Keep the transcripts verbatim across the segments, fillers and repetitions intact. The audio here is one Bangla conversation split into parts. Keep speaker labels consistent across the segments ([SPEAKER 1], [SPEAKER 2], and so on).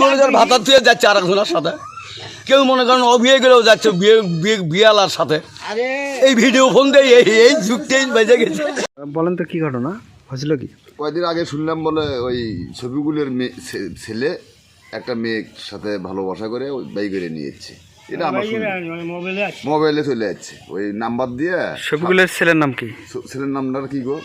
[SPEAKER 1] মনে করেন ভাতার থুয়ে যাচ্ছে আর একজনের সাথে, কেউ মনে করেন অভিয়ে গেলেও যাচ্ছে বিয়ে বিয়ে বিয়ালার সাথে। এই ভিডিও ফোন দিয়ে এই এই যুগটাই বেজে গেছে।
[SPEAKER 2] বলেন তো কি ঘটনা হয়েছিল? কি
[SPEAKER 3] কয়েকদিন আগে শুনলাম বলে ওই ছবিগুলোর মেয়ে ছেলে একটা মেয়ের সাথে ভালোবাসা করে ওই বাই করে নিয়ে যাচ্ছে, এটা আমার মোবাইলে চলে যাচ্ছে ওই নাম্বার দিয়ে।
[SPEAKER 2] ছবিগুলোর ছেলের নাম কি?
[SPEAKER 3] ছেলের নামটা কি গো?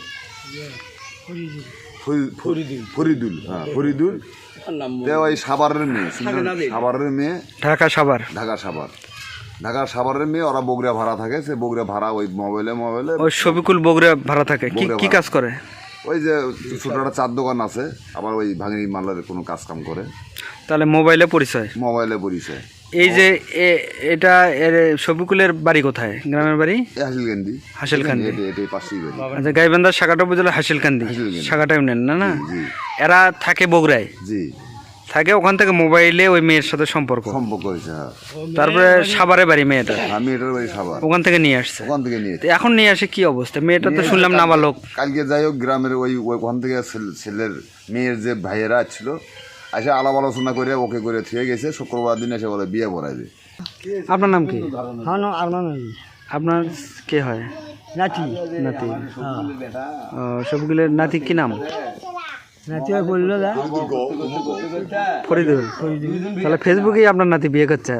[SPEAKER 3] ফরিদুল। হ্যাঁ ফরিদুল। ওই সাভারের মেয়ে, সাভারের মেয়ে,
[SPEAKER 2] ঢাকা সাভার।
[SPEAKER 3] ঢাকা সাভার ঢাকা সাভারের মেয়ে। ওরা বগুড়া ভাড়া থাকে, সে বগুড়া ভাড়া ওই মোবাইলে মোবাইলে
[SPEAKER 2] ওই শফিকুল বগুড়া ভাড়া থাকে। কি কি কাজ করে?
[SPEAKER 3] ওই যে ছোট একটা চার দোকান আছে, আবার ওই ভাঙনি মালের কোনো কাজ কাম করে।
[SPEAKER 2] তাহলে মোবাইলে পরিচয়?
[SPEAKER 3] মোবাইলে পরিচয়।
[SPEAKER 2] এই যে এটা শফিকুলের বাড়ি কোথায়? গ্রামের বাড়ি
[SPEAKER 3] হাসিলকান্দি।
[SPEAKER 2] হাসিলকান্দি।
[SPEAKER 3] এটাই পাশেই বাড়ি।
[SPEAKER 2] আচ্ছা, গাইবান্ধার শাখাটা উপজেলা হাসিলকান্দি, শাখাটা ইউনিয়ন না? না, এরা থাকে বগুড়ায়।
[SPEAKER 3] জি
[SPEAKER 2] থাকে, ওখান থেকে মোবাইলে ওই মেয়ের সাথে সম্পর্ক
[SPEAKER 3] সম্পর্ক হয়েছে। হ্যাঁ,
[SPEAKER 2] তারপরে সাভারে বাড়ি মেয়েটা,
[SPEAKER 3] মেয়েটার বাড়ি সাভার,
[SPEAKER 2] ওখান থেকে নিয়ে আসছে।
[SPEAKER 3] ওখান থেকে নিয়ে
[SPEAKER 2] এখন নিয়ে আসে কি অবস্থা? মেয়েটা তো শুনলাম নাবালক।
[SPEAKER 3] কালকে যাই হোক গ্রামের ওই ওখান থেকে ছেলের মেয়ের যে ভাইয়েরা ছিল এসে আলাপ আলোচনা করে ওকে করে থুয়ে গেছে। শুক্রবার দিন এসে বলে বিয়ে পড়াইবে।
[SPEAKER 2] আপনার নাম কি? আপনার কে হয়?
[SPEAKER 4] নাতি।
[SPEAKER 2] নাতি। সবগুলোর নাতি কি নাম?
[SPEAKER 4] নাতি বললো
[SPEAKER 2] ফরিদুল। তাহলে ফেসবুকেই আপনার নাতি বিয়ে করছে?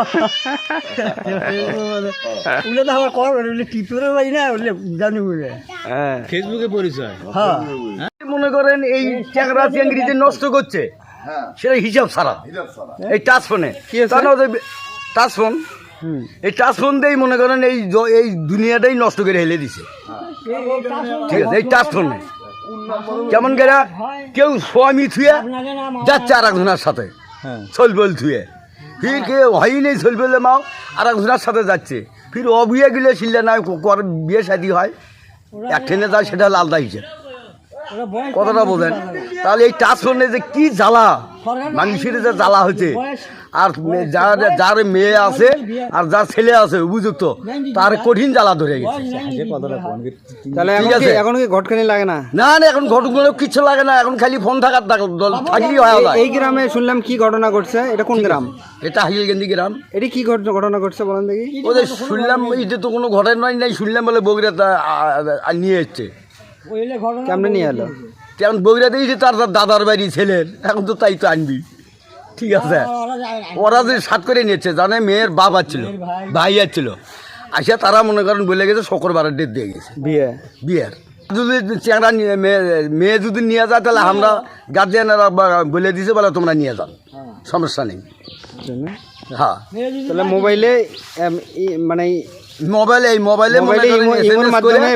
[SPEAKER 1] ফেসবুকে পরিচয়। মনে করেন এই চ্যাংরা চ্যাংরি যে নষ্ট করছে সেটা হিসাব ছাড়া। এই টাচ ফোনে টাচ ফোন এই টাচ ফোন দিয়েই মনে করেন এই এই দুনিয়াটাই নষ্ট করে হেলে দিছে। ঠিক আছে, এই টাচ ফোনে কেমন করে কেউ স্বামী থুয়ে যাচ্ছে আর একজনের সাথে চলবেল থুয়ে, ফির কেউ হয়ই নেই চলবেলে মাও আর একজনের সাথে যাচ্ছে, ফির অবিয়ে গেলে শিললে না বিয়ে শাদী হয়, এক ট্রেনে যায় সেটা আলাদা হিসেবে। কতটা বোঝেন? তাহলে এই টাচ ফোনে যে কি জ্বালা মানুষের যে জ্বালা হচ্ছে, আর যার যার মেয়ে আছে আর যার ছেলে আছে উপযুক্ত তার কঠিন জ্বালা ধরে গেছে।
[SPEAKER 2] তাহলে এখন কি ঘটকানি লাগে না? না
[SPEAKER 1] না, এখন ঘটনা কিছু লাগে না, এখন খালি ফোন থাকার থাকলেই হয়।
[SPEAKER 2] এই গ্রামে শুনলাম কি ঘটনা ঘটছে? এটা কোন গ্রাম?
[SPEAKER 1] এটা হাসিলকান্দি গ্রাম।
[SPEAKER 2] এটা কি ঘটনা ঘটছে বলেন দেখি।
[SPEAKER 1] ওদের শুনলাম এটা তো কোনো ঘটনাই নাই, শুনলাম বলে বগুড়াতে নিয়ে এসছে।
[SPEAKER 2] কেমনে নিয়ে এলো?
[SPEAKER 1] কেমন বগুড়াতে এসে তার দাদার বাড়ি ছেলের, এখন তো তাই তো আনবি। ঠিক আছে, ওরা যে সাত করে নিচ্ছে জানে মেয়ের বাবা ছিল, ভাই ছিল, আসে তারা মনে করেন বলে গেছে শুক্রবারের ডেট দিয়ে গেছে বিয়ে বিয়ের। যদি চ্যাংরা মেয়ে মেয়ে যদি নিয়ে যায় তাহলে আমরা গার্জিয়ানেরা বলে দিছে বলে তোমরা নিয়ে যাও, সমস্যা নেই। হ্যাঁ,
[SPEAKER 2] তাহলে মোবাইলে মানে
[SPEAKER 1] মোবাইলে এই মোবাইলে
[SPEAKER 2] মাধ্যমে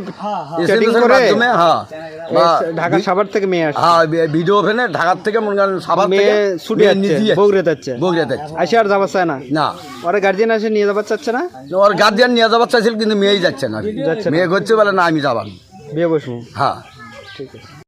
[SPEAKER 2] ঢাকা সাভার থেকে মেয়ে আসে।
[SPEAKER 1] হ্যাঁ, ভিডিও ফেনে ঢাকার থেকে মনে করেন সাভার থেকে
[SPEAKER 2] ছুটে যাচ্ছে বগুড়া যাচ্ছে।
[SPEAKER 1] বগুড়া যাচ্ছে,
[SPEAKER 2] আসে আর যাবার চায় না।
[SPEAKER 1] না,
[SPEAKER 2] ওর গার্জিয়ান আসে নিয়ে যাবার চাচ্ছে না।
[SPEAKER 1] ওর গার্জিয়ান নিয়ে যাবার চাইছিল কিন্তু মেয়েই যাচ্ছে না। মেয়ে করছে বলে না আমি যাবার
[SPEAKER 2] বিয়ে বসবো।
[SPEAKER 1] হ্যাঁ,
[SPEAKER 2] ঠিক আছে।